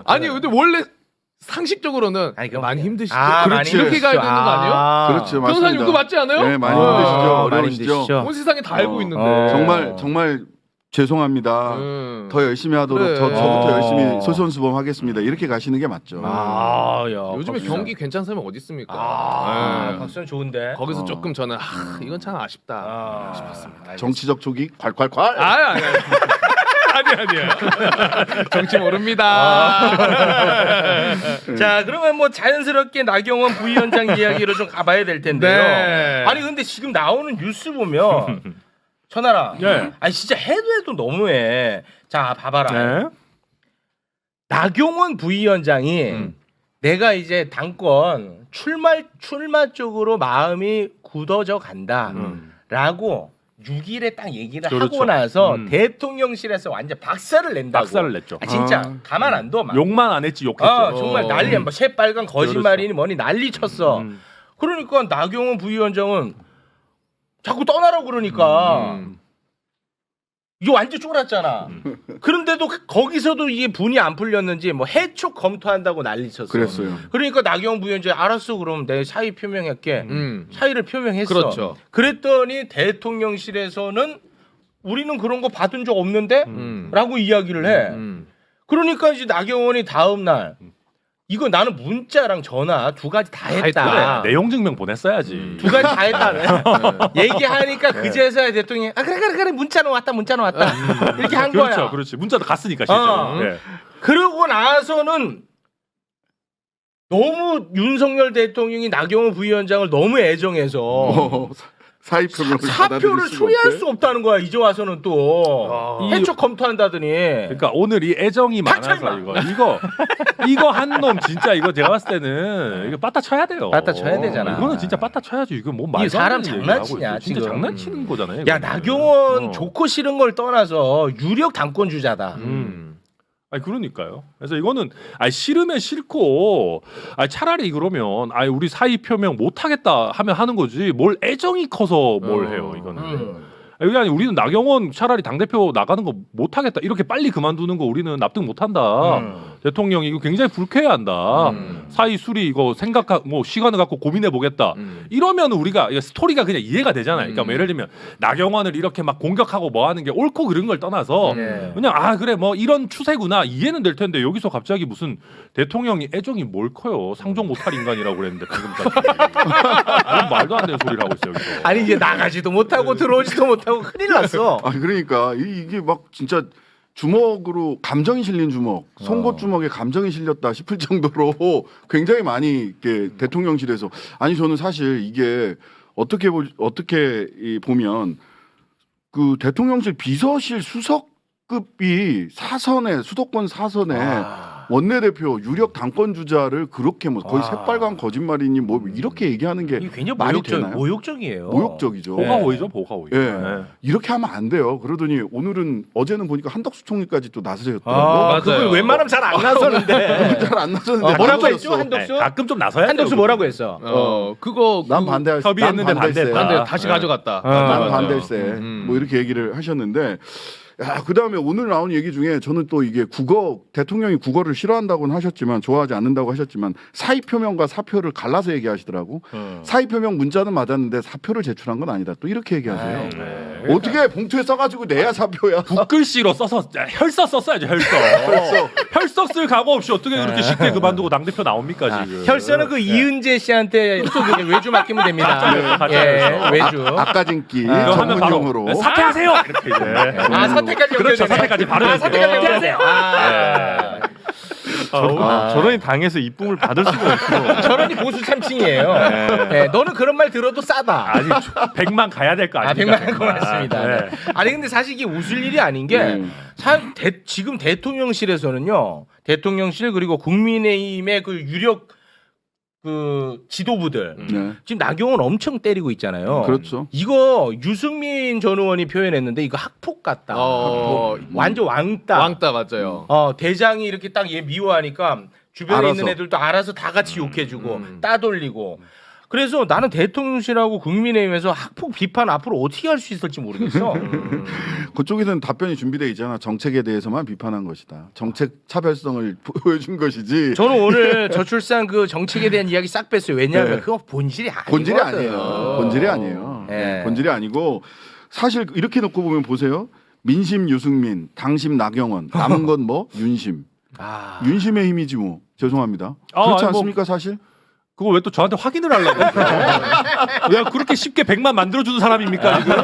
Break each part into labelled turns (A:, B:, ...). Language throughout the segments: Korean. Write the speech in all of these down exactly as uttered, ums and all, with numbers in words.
A: 아니 근데 원래 상식적으로는
B: 아니,
A: 많이 힘드시죠.
B: 아,
A: 그렇지.
B: 많이
A: 이렇게 가야 되는 거 아니에요?
B: 아,
C: 그렇죠, 맞습니다.
A: 변호사님 그거 맞지 않아요?
C: 네, 많이
A: 어.
C: 힘드시죠.
B: 많이
C: 어려우시죠.
B: 힘드시죠.
A: 온 세상에 다 알고
C: 어.
A: 있는데.
B: 어.
C: 정말 정말 죄송합니다.
A: 음.
C: 더 열심히 하도록
A: 그래.
C: 저, 저부터
B: 어.
C: 열심히 솔선수범하겠습니다. 이렇게 가시는 게 맞죠.
B: 아, 야,
A: 요즘에
B: 박수현.
A: 경기 괜찮은 사람이 어디 있습니까?
B: 아,
A: 네.
B: 박수현 좋은데.
A: 거기서
C: 어.
A: 조금 저는 아, 이건 참 아쉽다
B: 아,
A: 싶었습니다.
C: 정치적 촉이 콸콸콸.
A: 아, 아니 아니. 아니 아니야. 정치 모릅니다.
B: 아. 자, 그러면 뭐 자연스럽게 나경원 부위원장 이야기로 좀 가봐야 될 텐데요.
A: 네.
B: 아니 근데 지금 나오는 뉴스 보면 천하라.
D: 네.
B: 아니 진짜 해도 해도 너무해. 자, 봐봐라.
D: 네.
B: 나경원 부위원장이
A: 음.
B: 내가 이제 당권 출마 출마 쪽으로 마음이 굳어져 간다라고 육 일에 딱 얘기를 하고
D: 그렇죠.
B: 나서
D: 음.
B: 대통령실에서 완전 박살을 낸다고.
D: 박살을 냈죠.
B: 아, 진짜
C: 아.
B: 가만 안 둬. 막.
D: 욕만 안 했지 욕했죠.
B: 아, 정말
A: 어.
B: 난리야. 뭐 새빨간 거짓말이니 뭐니 난리 쳤어.
D: 음.
B: 그러니까 나경원 부위원장은 자꾸 떠나라고 그러니까
A: 음.
B: 이게 완전 쫄았잖아. 그런데도 거기서도 이게 분이 안 풀렸는지 뭐 해촉 검토한다고 난리 쳤어.
C: 그랬어요.
B: 그러니까 나경원 부위원장이 알았어 그럼 내 사의 표명할게.
A: 음.
B: 사의를 표명했어.
A: 그렇죠.
B: 그랬더니 대통령실에서는 우리는 그런 거 받은 적 없는데?
A: 음.
B: 라고 이야기를 해.
A: 음.
B: 그러니까 이제 나경원이 다음 날 이거 나는 문자랑 전화 두 가지 다
A: 다
B: 했다.
A: 했다.
D: 그래, 내용 증명 보냈어야지.
A: 음.
B: 두 가지 다 했다네.
A: 네.
B: 얘기하니까 그제서야 대통령이 아 그래 그래 그래 문자는 왔다 문자는 왔다 이렇게 한
D: 그렇죠,
B: 거야.
D: 그렇지. 문자도 갔으니까 실제로.
B: 어.
D: 네.
B: 그러고 나서는 너무 윤석열 대통령이 나경원 부위원장을 너무 애정해서
C: 어, 사의 표명을
B: 사표를 수리할 수 없다는 거야. 이제 와서는 또
A: 아.
B: 해촉 검토한다더니.
D: 그러니까 오늘 이 애정이
B: 닥쳐,
D: 많아서
B: 임마.
D: 이거 이거 이거 한 놈 진짜 이거 제가 봤을 때는 이거 빠따 쳐야 돼요.
B: 빠따 쳐야 되잖아.
D: 이거는 진짜 빠따 쳐야지. 이거 뭐 말도
B: 사람
D: 안 되는 얘기를
B: 장난치냐,
D: 하고 있어요. 진짜
B: 지금.
D: 장난치는 거잖아요.
B: 야
D: 이거는.
B: 나경원
D: 어.
B: 좋고 싫은 걸 떠나서 유력 당권 주자다.
D: 음. 아니 그러니까요. 그래서 이거는 아니 싫으면 싫고 아니 차라리 그러면 아니 우리 사의 표명 못 하겠다 하면 하는 거지 뭘 애정이 커서 뭘
A: 어.
D: 해요 이거는.
B: 음.
D: 이게 아니 우리는 나경원 차라리 당 대표 나가는 거 못 하겠다 이렇게 빨리 그만두는 거 우리는 납득 못 한다.
B: 음.
D: 대통령이 이거 굉장히 불쾌해한다.
A: 음.
D: 사의 수리 이거 생각 뭐 시간을 갖고 고민해 보겠다.
A: 음.
D: 이러면 우리가 이거 스토리가 그냥 이해가 되잖아요. 그러니까 뭐
A: 음.
D: 예를 들면 나경원을 이렇게 막 공격하고 뭐 하는 게 옳고 그른 걸 떠나서
B: 네.
D: 그냥 아 그래 뭐 이런 추세구나 이해는 될 텐데 여기서 갑자기 무슨 대통령이 애정이 뭘 커요 상종 못할 인간이라고 그랬는데 지금까지 그런 말도 안 되는 소리를 하고 있어요 여기서.
B: 아니 이제 나가지도 못하고 들어오지도 못하고 큰일 났어.
C: 아 그러니까 이- 이게 막 진짜 주먹으로 감정이 실린 주먹,
B: 어.
C: 송곳 주먹에 감정이 실렸다 싶을 정도로 굉장히 많이 이렇게 대통령실에서 아니 저는 사실 이게 어떻게 보 어떻게 이 보면 그 대통령실 비서실 수석급이 사선에 수도권 사선에
B: 아.
C: 원내대표 유력 당권 주자를 그렇게 뭐 거의
B: 아.
C: 새빨간 거짓말이니 뭐 이렇게 얘기하는 게
B: 이게 굉장히
C: 말이
B: 모욕적,
C: 되나요?
B: 모욕적이에요.
C: 모욕적이죠.
B: 네.
D: 보가오이죠 보가오이.
C: 예.
D: 네.
C: 이렇게 하면 안 돼요. 그러더니 오늘은 어제는 보니까 한덕수 총리까지 또 나서셨더라고.
B: 아,
A: 맞아요.
B: 그걸 웬만하면 잘 안 나서는데.
C: 잘 안 나섰는데
B: 어, 뭐라고
C: 나섰어.
B: 했죠 한덕수?
D: 네, 가끔 좀 나서야
B: 한덕수
D: 돼요,
B: 뭐라고
D: 그거.
B: 했어?
A: 어 그거
C: 난
A: 그-
C: 반대할
D: 협의했는데
C: 난 반대세.
D: 반대했다.
A: 반대 다시
D: 네.
A: 가져갔다.
B: 아,
C: 난
A: 맞아.
C: 반대세.
A: 음.
C: 뭐 이렇게 얘기를 하셨는데 야, 그다음에 오늘 나온 얘기 중에 저는 또 이게 국어 대통령이 국어를 싫어한다고는 하셨지만 좋아하지 않는다고 하셨지만 사의 표명과 사표를 갈라서 얘기하시더라고.
B: 음.
C: 사의 표명 문자는 맞았는데 사표를 제출한 건 아니다. 또 이렇게 얘기하세요.
B: 아이,
D: 네.
C: 어떻게 봉투에 써가지고 내야 사표야?
D: 북글씨로 써서 혈서 썼어야죠 혈서. 혈서 쓸 각오 없이 어떻게 그렇게 쉽게 그만두고 당 대표 나옵니까
B: 아,
D: 지금?
B: 혈서는 그 이은재 씨한테 그 외주 맡기면 됩니다.
D: 가짜예요, 가짜
B: 예,
D: 혈서.
B: 외주.
C: 아까진기
B: 아,
D: 이거 하면 바로
C: 전문용어로.
D: 사퇴하세요 이렇게 이제.
B: 아 사태까지
D: 그렇죠,
B: 연결되네.
D: 사태까지 바로
B: 아, 사태까지
D: 연결돼요.
B: 연결하세요. 아,
E: 아, 저런이 당해서 이쁨을 받을 수가 없어.
B: 저런이 보수 참칭이에요. 네, 너는 그런 말 들어도 싸다.
D: 아니 백만 가야 될 거
B: 아,
D: 아닙니까?
B: 백만 원 고맙습니다.
D: 네.
B: 네. 아니 근데 사실 이게 웃을 일이 아닌 게
C: 음.
B: 사, 대, 지금 대통령실에서는요. 대통령실 그리고 국민의힘의 그 유력 그 지도부들
C: 네.
B: 지금 나경원 엄청 때리고 있잖아요.
C: 그렇죠.
B: 이거 유승민 전 의원이 표현했는데 이거 학폭 같다.
A: 어,
B: 학폭. 완전 왕따.
A: 왕따 맞아요.
B: 어, 대장이 이렇게 딱 얘 미워하니까 주변에
C: 알아서.
B: 있는 애들도 알아서 다 같이 욕해주고
A: 음.
B: 따돌리고 그래서 나는 대통령실하고 국민의힘에서 학폭 비판 앞으로 어떻게 할 수 있을지 모르겠어.
C: 그쪽에서는 답변이 준비돼 있잖아. 정책에 대해서만 비판한 것이다. 정책 차별성을 보여준 것이지.
B: 저는 오늘 저출산 그 정책에 대한 이야기 싹 뺐어요. 왜냐하면
C: 네.
B: 그거 본질이 아니거든.
C: 본질이 아니에요. 본질이 아니에요.
B: 네.
C: 본질이 아니고 사실 이렇게 놓고 보면 보세요. 민심 유승민, 당심 나경원, 남은 건 뭐 윤심.
B: 아.
C: 윤심의 힘이지 뭐. 죄송합니다.
D: 아,
C: 그렇지
D: 아니, 뭐-
C: 않습니까 사실?
D: 그거 왜 또 저한테 확인을 하려고 내가 그렇게 쉽게 백만 만들어주는 사람입니까 지금?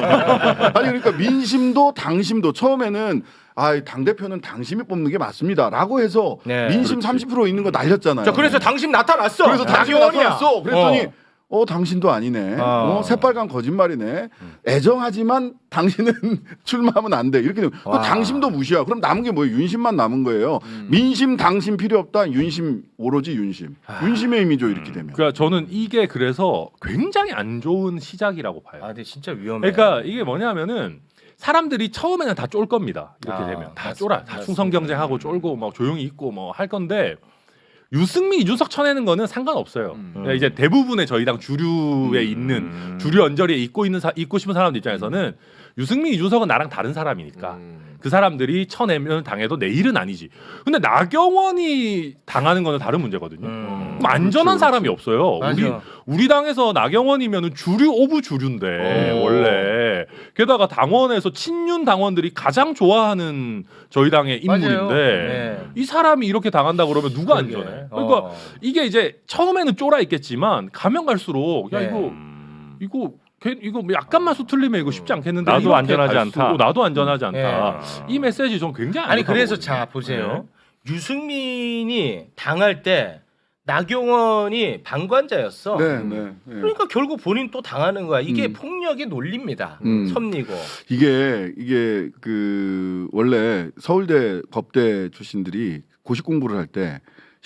C: 아니 그러니까 민심도 당심도 처음에는 아, 당 대표는 당심이 뽑는 게 맞습니다라고 해서
B: 네.
C: 민심 삼십 퍼센트 있는 거 날렸잖아요.
B: 자, 그래서 당신 나타났어.
C: 그래서 당신이
B: 나경원이야.
C: 나타났어. 그랬더니
B: 어.
C: 어, 당신도 아니네.
B: 어.
C: 어, 새빨간 거짓말이네. 애정하지만 당신은 출마하면 안 돼. 이렇게 되면 그
B: 와.
C: 당심도 무시야. 그럼 남은 게 뭐예요? 윤심만 남은 거예요. 민심, 당심 필요 없다. 윤심 오로지 윤심. 윤심의 힘이죠. 이렇게 되면.
D: 그러니까 저는 이게 그래서 굉장히 안 좋은 시작이라고 봐요.
B: 아, 근데 진짜 위험해.
D: 그러니까 이게 뭐냐면은 사람들이 처음에는 다 쫄 겁니다. 이렇게
B: 아,
D: 되면 다
B: 맞습니다.
D: 쫄아, 다
B: 맞습니다.
D: 충성 경쟁하고 쫄고 막 조용히 있고 뭐 할 건데 유승민, 이준석 쳐내는 거는 상관없어요. 그러니까 이제 대부분의 저희 당 주류에 있는 주류 언저리에 있고 있는 사, 있고 싶은 사람들 입장에서는 유승민, 이준석은 나랑 다른 사람이니까 그 사람들이 쳐내면 당해도 내 일은 아니지. 근데 나경원이 당하는 거는 다른 문제거든요.
B: 음.
D: 그럼 안전한
C: 그렇지,
D: 사람이 없어요.
B: 맞아.
D: 우리 우리 당에서 나경원이면은 주류 오브 주류인데
B: 오.
D: 원래 게다가 당원에서 친윤 당원들이 가장 좋아하는 저희 당의 인물인데
B: 맞아요. 네.
D: 이 사람이 이렇게 당한다 그러면 누가
B: 그러게.
D: 안전해? 그러니까
B: 어.
D: 이게 이제 처음에는 쫄아 있겠지만 가면 갈수록 야
B: 네.
D: 이거 이거 걔- 이거 뭐 약간만 수틀리면 이거 쉽지 않겠는데
E: 나도
D: 이렇게
E: 안전하지
D: 갈수록
E: 않다.
D: 나도 안전하지 않다.
B: 네.
D: 이 메시지 좀 굉장히 안
B: 아니
D: 좋다고
B: 그래서
D: 보거든요.
B: 자 보세요.
D: 네.
B: 유승민이 당할 때 나경원이 방관자였어.
C: 네, 네. 네.
B: 그러니까 결국 본인 또 당하는 거야. 이게
C: 음.
B: 폭력의 논리입니다.
C: 음.
B: 섭리고.
C: 이게 이게 그 원래 서울대 법대 출신들이 고시 공부를 할 때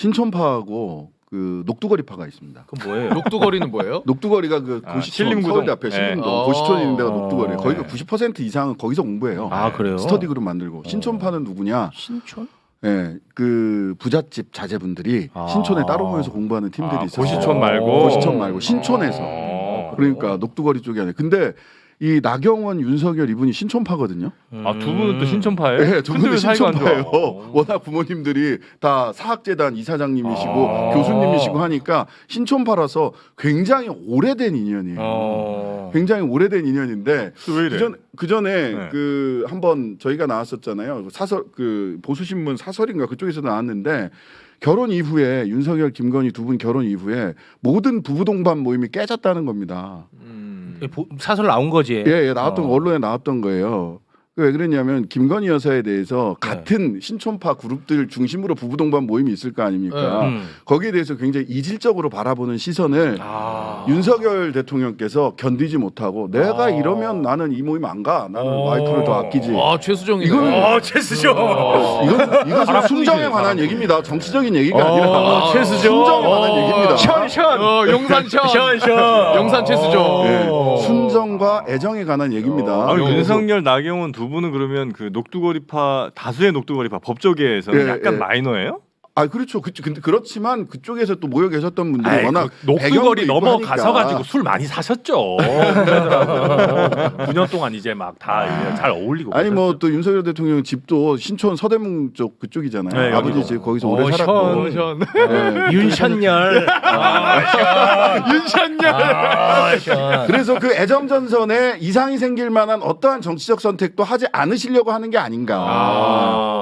C: 신촌파하고 그 녹두거리파가 있습니다.
B: 그건 뭐예요?
A: 녹두거리는 뭐예요?
C: 녹두거리가 그
E: 아,
C: 고시촌
E: 신림구동.
C: 서울대 앞에
E: 네.
C: 신림동
A: 어.
C: 고시촌 있는 데가
B: 어.
C: 녹두거리예요. 거기가
B: 네.
C: 구십 퍼센트 이상은 거기서 공부해요.
B: 아 그래요?
C: 스터디 그룹 만들고 신촌파는 누구냐?
B: 신촌?
C: 예, 그 부잣집 자제분들이
B: 아.
C: 신촌에 따로 모여서 공부하는 팀들이
E: 아,
C: 있어요.
E: 고시촌 말고?
C: 고시촌 말고 신촌에서.
E: 어.
C: 그러니까 녹두거리 쪽이 아니에요. 근데 이 나경원, 윤석열 이분이 신촌파거든요.
E: 아, 두 분은 또 신촌파예요?
C: 네, 두
E: 근데
C: 분이
E: 왜 사이가 안 좋아?
C: 신촌파예요. 워낙 부모님들이 다 사학재단 이사장님이시고
B: 아.
C: 교수님이시고 하니까 신촌파라서 굉장히 오래된 인연이에요.
B: 어.
C: 굉장히 오래된 인연인데
E: 왜 이래?
C: 그전 그 전에
E: 네.
C: 그 한번 저희가 나왔었잖아요. 사설 그 보수신문 사설인가 그쪽에서 나왔는데 결혼 이후에 윤석열, 김건희 두 분 결혼 이후에 모든 부부 동반 모임이 깨졌다는 겁니다.
A: 음.
B: 보- 사설 나온 거지.
C: 예, 예 나왔던
B: 어.
C: 언론에 나왔던 거예요. 왜 그랬냐면 김건희 여사에 대해서
B: 네.
C: 같은 신촌파 그룹들 중심으로 부부 동반 모임이 있을 거 아닙니까?
B: 음.
C: 거기에 대해서 굉장히 이질적으로 바라보는 시선을
B: 아.
C: 윤석열 대통령께서 견디지 못하고 내가
B: 아.
C: 이러면 나는 이 모임 안 가. 나는
B: 어.
C: 와이프를 더 아끼지.
A: 아 최수정이네.
C: 이거는-
B: 어, 최수정.
C: 이건 이것은 순정에 관한
D: 바람둥이지.
C: 얘기입니다. 정치적인 얘기가
B: 어,
C: 아니라
B: 최수정.
C: 순정에 관한
B: 어.
C: 얘기입니다.
B: 션.
A: 어 용산천.
B: 션 션.
A: 영산 최수정.
C: 예, 순정과 애정에 관한 얘기입니다.
E: 아,
A: 어,
E: 윤석열, 나경원 두 분은 그러면 그 녹두거리파 다수의 녹두거리파 법조계에서는
C: 예,
E: 약간
C: 예.
E: 마이너예요?
C: 아 그렇죠. 그, 근데 그렇지만 그쪽에서 또 모여 계셨던 분들이
D: 아이,
C: 워낙
D: 그 녹두거리
C: 배경도 있고
D: 넘어가서
C: 하니까.
D: 가지고 술 많이 사셨죠. 그러더라고. 구 년 동안 이제 막 다 잘 어울리고.
C: 아니 뭐
D: 그러셨죠.
C: 또 윤석열 대통령 집도 신촌 서대문 쪽 그쪽이잖아요.
D: 네,
C: 아버지
D: 여기도.
C: 집 거기서
B: 어,
C: 오래
B: 션,
C: 살았고.
A: 션.
C: 네.
B: 윤션열.
A: 윤찬열.
B: 아, 션.
C: 그래서 그 애정전선에 이상이 생길 만한 어떠한 정치적 선택도 하지 않으시려고 하는 게 아닌가.
D: 아.